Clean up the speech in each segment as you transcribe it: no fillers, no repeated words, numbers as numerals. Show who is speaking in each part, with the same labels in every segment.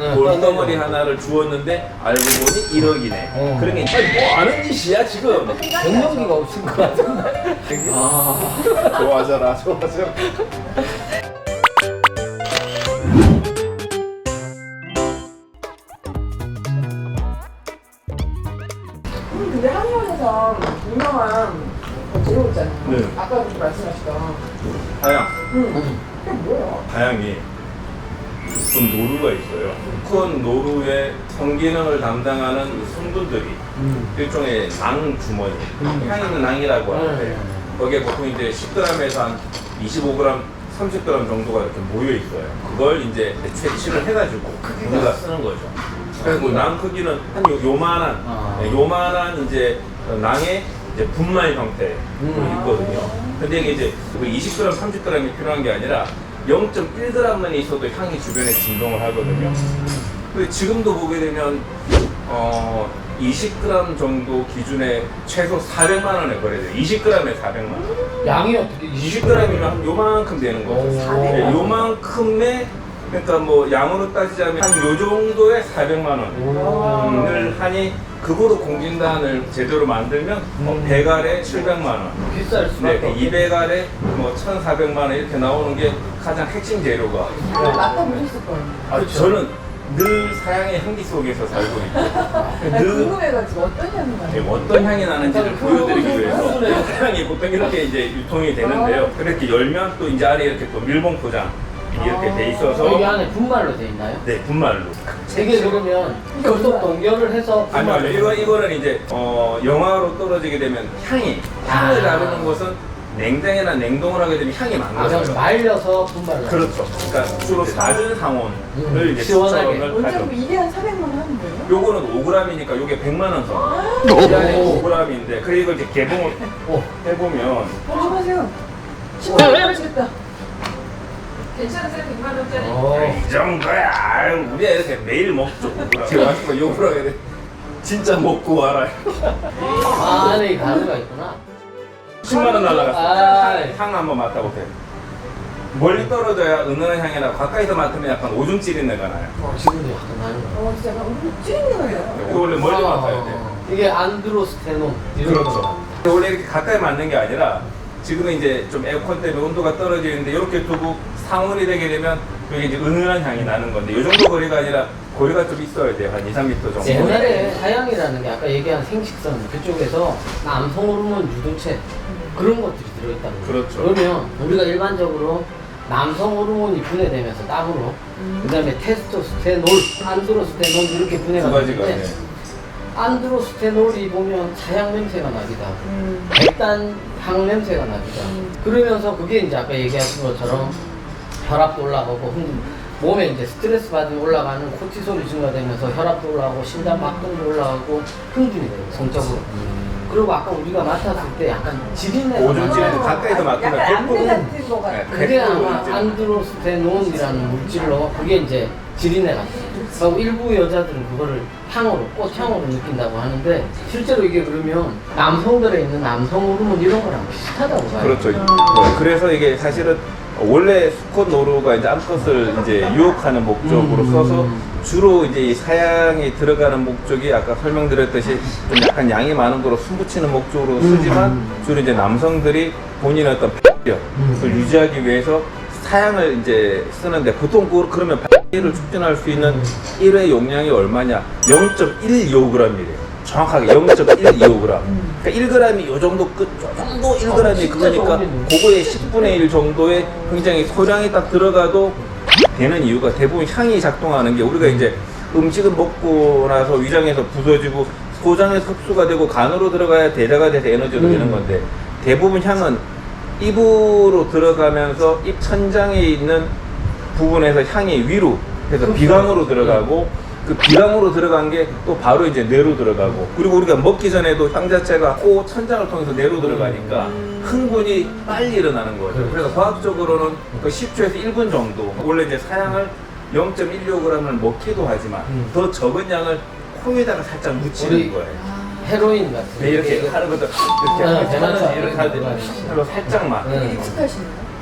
Speaker 1: 돌덩어리 하나를 주었는데 알고 보니 1억이네. 그러니까 뭐 하는 짓이야 지금?
Speaker 2: 경력기가 없을 것 같은데.
Speaker 1: 좋아져라 좋아져라.
Speaker 3: 근데 한의원에서 유명한 재료 있잖아요.
Speaker 1: 네.
Speaker 3: 아까 그 말씀하셨던.
Speaker 1: 다양.
Speaker 3: 그게 뭐예요?
Speaker 1: 다양히 큰 노루가 있어요. 큰 노루의 성기능을 담당하는 성분들이 일종의 낭 주머니, 향 있는 낭이라고 하는데 거기에 보통 이제 10g에서 한 25g, 30g 정도가 이렇게 모여 있어요. 그걸 이제 채취를 해가지고 우리가 쓰는 거죠. 그리고 낭 크기는 한 요만한 이제 낭의 이제 분말 형태로 있거든요. 근데 이게 이제 20g, 30g이 필요한 게 아니라 0.1g만 있어도 향이 주변에 진동을 하거든요. 근데 지금도 보게 되면 20g 정도 기준에 최소 400만 원에 거래돼요. 20g에 400만 원.
Speaker 2: 양이 어떻게
Speaker 1: 20g이면 한 요만큼 되는 거죠. 네, 요만큼의 그러니까 뭐 양으로 따지자면 한 요 정도의 400만 원을 하니 그거로 공진단을 제대로 만들면 100알에 700만 원.
Speaker 2: 비쌀 수밖에
Speaker 1: 네, 200알에 뭐 1,400만 원 이렇게 나오는 게 가장 핵심 재료가.
Speaker 3: 맡아보셨을 거예요.
Speaker 1: 아, 저는 늘 사양의 향기 속에서 살고 있고
Speaker 3: 나 궁금해가지고 어떤 향이 나요?
Speaker 1: 네, 어떤 향이 나는지를 보여드리기 위해서 사양이 보통 이렇게 이제 유통이 되는데요. 그렇게 열면 또 이제 안에 이렇게 또 밀봉 포장 이렇게 돼 있어서
Speaker 2: 여기 안에 분말로 돼 있나요?
Speaker 1: 네, 분말로.
Speaker 2: 이게 그러면 계속 동결을 해서
Speaker 1: 아니요, 이거는 이제 영하로 떨어지게 되면 향을 다루는 것은 냉장이나 냉동을 하게 되면 향이
Speaker 2: 그럼
Speaker 1: 망가져요.
Speaker 2: 말려서 분말로.
Speaker 1: 그렇죠. 그러니까 주로 낮은 상온을 이제
Speaker 2: 시원하게.
Speaker 1: 추천을
Speaker 3: 언제
Speaker 1: 하죠.
Speaker 3: 이게 한 400만 원 하는 거예요?
Speaker 1: 요거는 5g이니까 요게 100만 원 선. 이 안에 5g인데 그래 이걸 이제 개봉을 해보면
Speaker 3: 조심하세요. 10만 원 하시겠다. 괜찮으세요? 100만 원짜리?
Speaker 1: 이 정도야. 아유, 우리가 이렇게 매일 먹죠. 제가 와서 욕을 하게 돼. 진짜 먹고 와라.
Speaker 2: 아, 안에 이 가루가 있구나.
Speaker 1: 10만 원 날라갔어.
Speaker 2: 아.
Speaker 1: 향 한번 맡아보세요. 멀리 떨어져야 은은한 향이 나고 가까이서 맡으면 약간 오줌 찌린 내가 나요.
Speaker 2: 지금도 약간 나는 거.
Speaker 3: 진짜 우리 찌르는 거예요.
Speaker 1: 이거 원래 멀리 맡아야 돼요.
Speaker 2: 이게 안드로스테논. 이런
Speaker 1: 그렇죠.
Speaker 2: 거.
Speaker 1: 원래 이렇게 가까이 맞는 게 아니라 지금은 이제 좀 에어컨 때문에 온도가 떨어지는데 이렇게 두고 상온이 되게 되면 여기 이제 은은한 향이 나는 건데 이 정도 거리가 아니라 거리가 좀 있어야 돼요. 한 2, 3m 정도.
Speaker 2: 옛날에 사양이라는 게 아까 얘기한 생식선 그쪽에서 남성 호르몬 유도체 그런 것들이 들어있다는 거예요.
Speaker 1: 그렇죠.
Speaker 2: 그러면 우리가 일반적으로 남성 호르몬이 분해되면서 땀으로 그다음에 테스토스테놀, 안드로스테놀 이렇게 분해가
Speaker 1: 두 가지가
Speaker 2: 되는데
Speaker 1: 네.
Speaker 2: 안드로스테놀이 보면 사양 냄새가 나기도 하고 백단 향 냄새가 나기도 하고 그러면서 그게 이제 아까 얘기하신 것처럼 혈압도 올라가고 몸에 이제 스트레스 받으면 올라가는 코티솔이 증가되면서 혈압도 올라가고 심장 박동도 올라가고 흥분이 돼요 성적으로. 그리고 아까 우리가 맡았을 때 약간 지린내가
Speaker 1: 오줌 찌는데 가까이서 맡으면
Speaker 3: 약간 암내
Speaker 1: 100%
Speaker 3: 같은 거 같아요.
Speaker 2: 그게 아마 안드로스테논이라는 물질로 그게 이제 지린내가 그리고 일부 여자들은 그거를 향으로 꽃향으로 느낀다고 하는데 실제로 이게 그러면 남성들에 있는 남성 호르몬 이런 거랑 비슷하다고 봐요.
Speaker 1: 그렇죠. 그래서 이게 사실은 원래 수컷 노루가 이제 암컷을 이제 유혹하는 목적으로 써서 주로 이제 이 사양이 들어가는 목적이 아까 설명드렸듯이 좀 약간 양이 많은 거로 숨붙이는 목적으로 쓰지만 주로 이제 남성들이 본인의 어떤 를 유지하기 위해서 사양을 이제 쓰는데 보통 그러면 를 촉진할 수 있는 1회 용량이 얼마냐? 0.125g이래요. 정확하게 0.125g. 그러니까 1g이 요 정도 요 정도 1g이 그거니까 그거의 10분의 1 정도의 굉장히 소량이 딱 들어가도 되는 이유가 대부분 향이 작동하는 게 우리가 이제 음식을 먹고 나서 위장에서 부서지고 소장에서 흡수가 되고 간으로 들어가야 대사가 돼서 에너지로 되는 건데 대부분 향은 입으로 들어가면서 입 천장에 있는 부분에서 향이 위로 해서 비강으로 들어가고 그 비강으로 들어간 게 또 바로 이제 뇌로 들어가고 그리고 우리가 먹기 전에도 향 자체가 코 천장을 통해서 뇌로 들어가니까 흥분이 빨리 일어나는 거죠. 그래서 과학적으로는 그 10초에서 1분 정도 원래 이제 사양을 0.125g을 먹기도 하지만 더 적은 양을 코에다가 살짝 묻히는 거예요.
Speaker 2: 헤로인 같은
Speaker 1: 네, 이렇게 하는 것도 이렇게
Speaker 2: 대단하다.
Speaker 1: 이렇게 하는데 살짝만
Speaker 3: 익숙하시나요?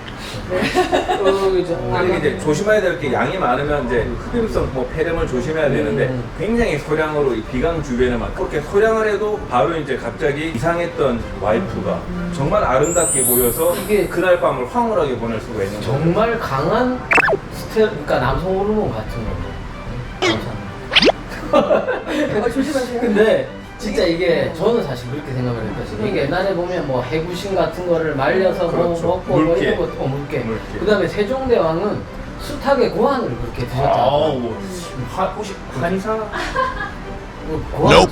Speaker 2: 이제
Speaker 1: 근데 이제 조심해야 될 게 양이 많으면 이제 흡입성 뭐 폐렴을 조심해야 되는데 굉장히 소량으로 이 비강 주변에만 그렇게 소량을 해도 바로 이제 갑자기 이상했던 와이프가 정말 아름답게 보여서
Speaker 2: 이게
Speaker 1: 그날 밤을 황홀하게 보낼 수가 있는 거예요.
Speaker 2: 정말 강한 그러니까 남성 호르몬 같은 거.
Speaker 3: 조심하세요.
Speaker 2: 근데 진짜 이게 저는 사실 그렇게 생각을 했거든요. 이게 옛날에 보면 뭐 해구신 같은 거를 말려서
Speaker 1: 그렇죠.
Speaker 2: 뭐 먹고 뭐
Speaker 1: 물개.
Speaker 2: 이런 거 물개.
Speaker 1: 물개.
Speaker 2: 그다음에 세종대왕은 숱하게 고환을 그렇게 드셨다.
Speaker 1: 뭐 혹시 한의사?
Speaker 2: 고환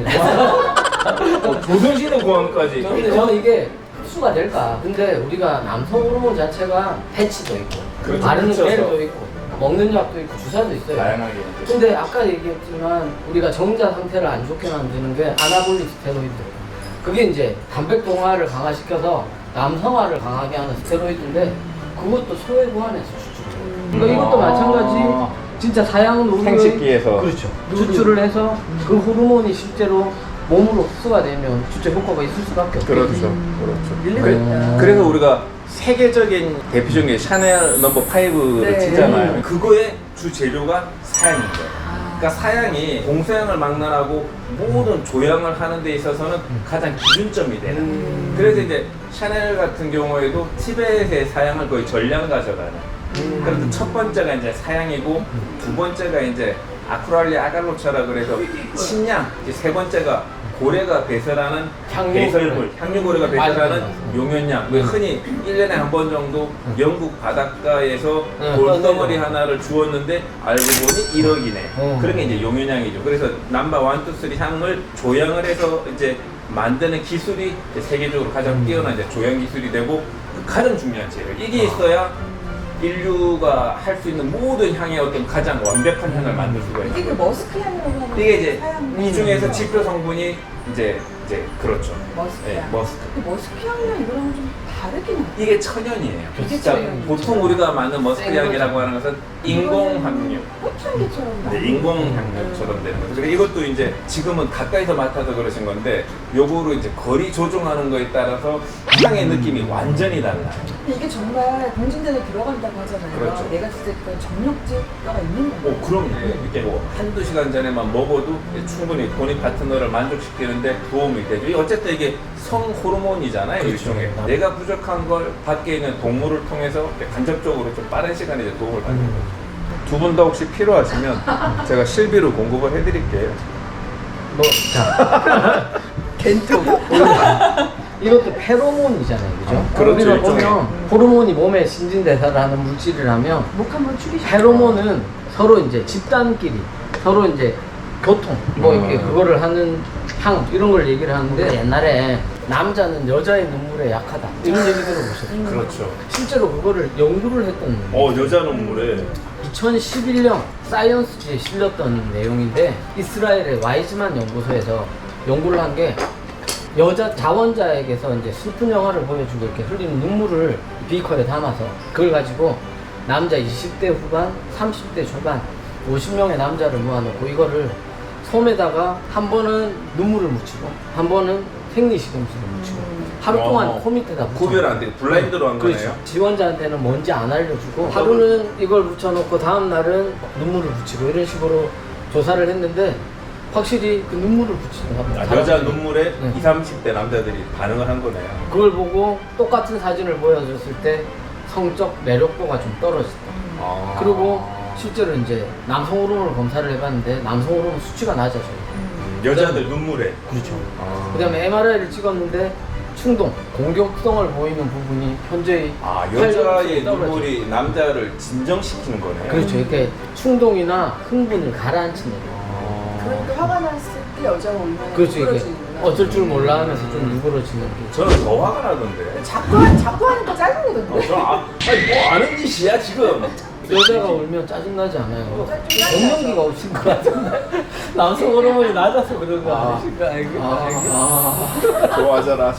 Speaker 2: 전문이라.
Speaker 1: 조선시대 고항까지.
Speaker 2: 근데 저는 이게 흡수가 될까? 근데 우리가 남성 호르몬 자체가 패치도 있고,
Speaker 1: 그렇죠.
Speaker 2: 바르는
Speaker 1: 그렇죠.
Speaker 2: 젤도 있고, 먹는 약도 있고, 주사도 있어요.
Speaker 1: 다양하게.
Speaker 2: 근데 아까 얘기했지만 우리가 정자 상태를 안 좋게 만드는 게 아나볼릭 스테로이드. 그게 이제 단백 동화를 강화시켜서 남성화를 강하게 하는 스테로이드인데 그것도 소외 보완해서 추출해요. 그러니까 이것도 마찬가지. 진짜 사양 노루를
Speaker 1: 생식기에서.
Speaker 2: 그렇죠. 추출을 해서 그 호르몬이 실제로 몸으로 흡수가 되면 진짜 효과가 있을 수밖에 없죠.
Speaker 1: 그렇죠. 그렇죠.
Speaker 3: 일리가 있다.
Speaker 1: 그래서 우리가 세계적인 대표적인 게 샤넬 넘버 5를
Speaker 3: 네.
Speaker 1: 치잖아요. 그거의 주 재료가 사양인 거예요. 그러니까 사양이 공소양을 막론하고 모든 조향을 하는 데 있어서는 가장 기준점이 되는. 그래서 이제 샤넬 같은 경우에도 티벳의 사양을 거의 전량 가져가는. 그래서 첫 번째가 이제 사양이고 두 번째가 이제 아크랄리아 아갈로차라 그래서 침량, 이제 세 번째가 고래가 배설하는 배설물, 향유고래가 배설하는 용연량. 왜 흔히 1년에 한 번 정도 영국 바닷가에서 돌덩어리 하나를 주었는데 알고 보니 1억이네. 그런 게 이제 용연량이죠. 그래서 넘버 1, 2, 3 향을 조향을 해서 이제 만드는 기술이 이제 세계적으로 가장 뛰어난 이제 조향 기술이 되고 가장 중요한 재료. 이게 있어야 인류가 할 수 있는 모든 향의 어떤 가장 완벽한 향을 만들 수가 있는
Speaker 3: 이게 그
Speaker 1: 거예요.
Speaker 3: 머스크 향이라고 하는
Speaker 1: 이게 이제
Speaker 3: 사양
Speaker 1: 이 중에서 지표 성분이 이제 그렇죠.
Speaker 3: 머스크
Speaker 1: 예,
Speaker 3: 향.
Speaker 1: 머스크.
Speaker 3: 근데 머스크 향이랑 이거랑 좀 다르긴 해요.
Speaker 1: 이게 천연이에요.
Speaker 3: 이게
Speaker 1: 진짜
Speaker 3: 천연이죠.
Speaker 1: 보통 우리가 만든 머스크
Speaker 2: 생
Speaker 1: 향이라고 하는 것은 인공 함유.
Speaker 3: 꽃향기처럼
Speaker 1: 네, 인공 향료처럼 되는 거죠. 그래서 이것도 이제 지금은 가까이서 맡아서 그러신 건데 요거로 이제 거리 조종하는 거에 따라서 향의 느낌이 완전히 달라요.
Speaker 3: 근데 이게 정말 공진단에 들어간다고 하잖아요.
Speaker 1: 그렇죠.
Speaker 3: 내가 진짜 그 정력제가 있는 거예요.
Speaker 1: 그럼요. 이렇게 뭐 한두 시간 전에만 먹어도 충분히 본인 파트너를 만족시키는데 도움이 되죠. 어쨌든 이게 성 호르몬이잖아요. 일종의. 내가 부족한 걸 밖에 있는 동물을 통해서 간접적으로 좀 빠른 시간에 이제 도움을 받는 거죠. 두 분 다 혹시 필요하시면 제가 실비로 공급을 해드릴게요.
Speaker 2: 뭐, 자. 겐토. 이것도 페로몬이잖아요. 그죠?
Speaker 1: 그렇죠,
Speaker 2: 우리가
Speaker 1: 일종의.
Speaker 2: 보면 호르몬이 몸에 신진대사를 하는 물질이라면
Speaker 3: 목 한번 축이시죠.
Speaker 2: 페로몬은 서로 이제 집단끼리 서로 이제 교통 뭐 이렇게 그거를 하는 향 이런 걸 얘기를 하는데 옛날에 남자는 여자의 눈물에 약하다 이런 얘기 들어보셨죠?
Speaker 1: 그렇죠.
Speaker 2: 실제로 그거를 연구를 했던
Speaker 1: 여자 눈물에
Speaker 2: 2011년 사이언스지에 실렸던 내용인데 이스라엘의 와이즈만 연구소에서 연구를 한 게 여자 자원자에게서 이제 슬픈 영화를 보여주고 이렇게 흘리는 눈물을 비커에 담아서 그걸 가지고 남자 20대 후반, 30대 초반 50명의 남자를 모아놓고 이거를 솜에다가 한 번은 눈물을 묻히고 한 번은 생리식염수를 묻히고 하루 동안 코 밑에다 묻혀
Speaker 1: 구별 안 되고 블라인드로 한 거네요.
Speaker 2: 그렇죠. 지원자한테는 뭔지 안 알려주고 하루는 이걸 묻혀놓고 다음 날은 눈물을 붙이고 이런 식으로 조사를 했는데 확실히 그 눈물을 붙이는 겁니다.
Speaker 1: 여자 눈물에
Speaker 2: 네.
Speaker 1: 20, 30대 남자들이 반응을 한 거네요.
Speaker 2: 그걸 보고 똑같은 사진을 보여줬을 때 성적 매력도가 좀 떨어졌다. 그리고 실제로 이제 남성 호르몬을 검사를 해봤는데 남성 호르몬 수치가 낮아져요.
Speaker 1: 여자들 눈물에.
Speaker 2: 그렇죠. 그다음에 MRI를 찍었는데 충동, 공격성을 보이는 부분이 현저히
Speaker 1: 여자의
Speaker 2: 활력이 떨어져요.
Speaker 1: 눈물이 남자를 진정시키는 거네요.
Speaker 2: 그렇죠. 이렇게 충동이나 흥분을 가라앉히는 거예요.
Speaker 3: 그러니까 화가 났을 때 여자가 얼마나
Speaker 2: 그렇죠. 이게
Speaker 3: 누그러지는구나.
Speaker 2: 어쩔 줄 몰라 하면서 좀 누그러지는 게.
Speaker 1: 저는 더 화가 나던데.
Speaker 3: 자꾸 하니까 짜증나던데.
Speaker 1: 뭐 아는 짓이야 지금.
Speaker 2: 여자가 울면 짜증나지 않아요. 갱년기가 오신 것 같은데. 남성 호르몬이 낮아서 그런 거 아니실까?
Speaker 1: 좋아하잖아.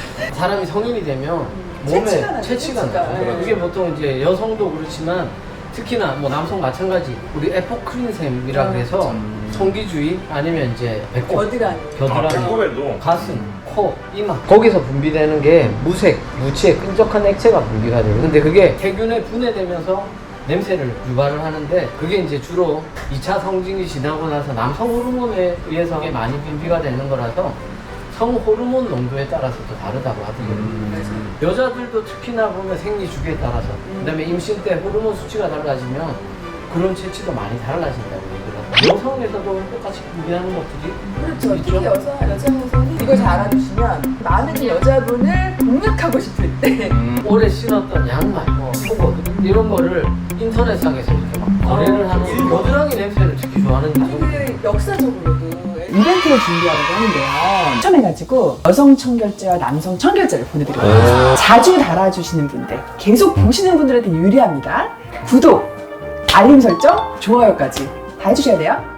Speaker 2: 사람이 성인이 되면
Speaker 3: 체취가
Speaker 2: 몸에
Speaker 3: 나죠,
Speaker 2: 체취가
Speaker 3: 체취가.
Speaker 2: 나요.
Speaker 3: 네.
Speaker 2: 이게 보통 이제 여성도 그렇지만 특히나 뭐 남성 마찬가지 우리 에포크린샘이라 그래서 성기주의 아니면 이제 배꼽,
Speaker 3: 겨드랑이.
Speaker 2: 겨드랑이,
Speaker 1: 배꼽에도
Speaker 2: 가슴, 코, 이마 거기서 분비되는 게 무색, 무취의 끈적한 액체가 분비가 돼요. 근데 그게 세균에 분해되면서 냄새를 유발을 하는데 그게 이제 주로 2차 성징이 지나고 나서 남성 호르몬에 의해서 이게 많이 분비가 되는 거라서 성 호르몬 농도에 따라서 또 다르다고 하더라고요. 여자들도 특히나 보면 생리 주기에 따라서 그다음에 임신 때 호르몬 수치가 달라지면 그런 체취도 많이 달라진다고 얘기를 하고 여성에서도 똑같이 분비하는 것들이
Speaker 3: 그렇죠.
Speaker 2: 있죠.
Speaker 3: 특히 여성에서는 이걸 잘 알아두시면 마음에 든 여자분을 공략하고 싶을 때
Speaker 2: 오래 신었던 양말, 속옷 이런 거를 인터넷상에서 이렇게 막 거래를 하는 겨드랑이 냄새를 특히 좋아하는 가족.
Speaker 3: 그 역사적으로도 이벤트를 준비하려고 하는데요. 추첨해가지고 여성 청결제와 남성 청결제를 보내드리거든요. 자주 달아주시는 분들, 계속 보시는 분들한테 유리합니다. 구독, 알림 설정, 좋아요까지 다 해주셔야 돼요.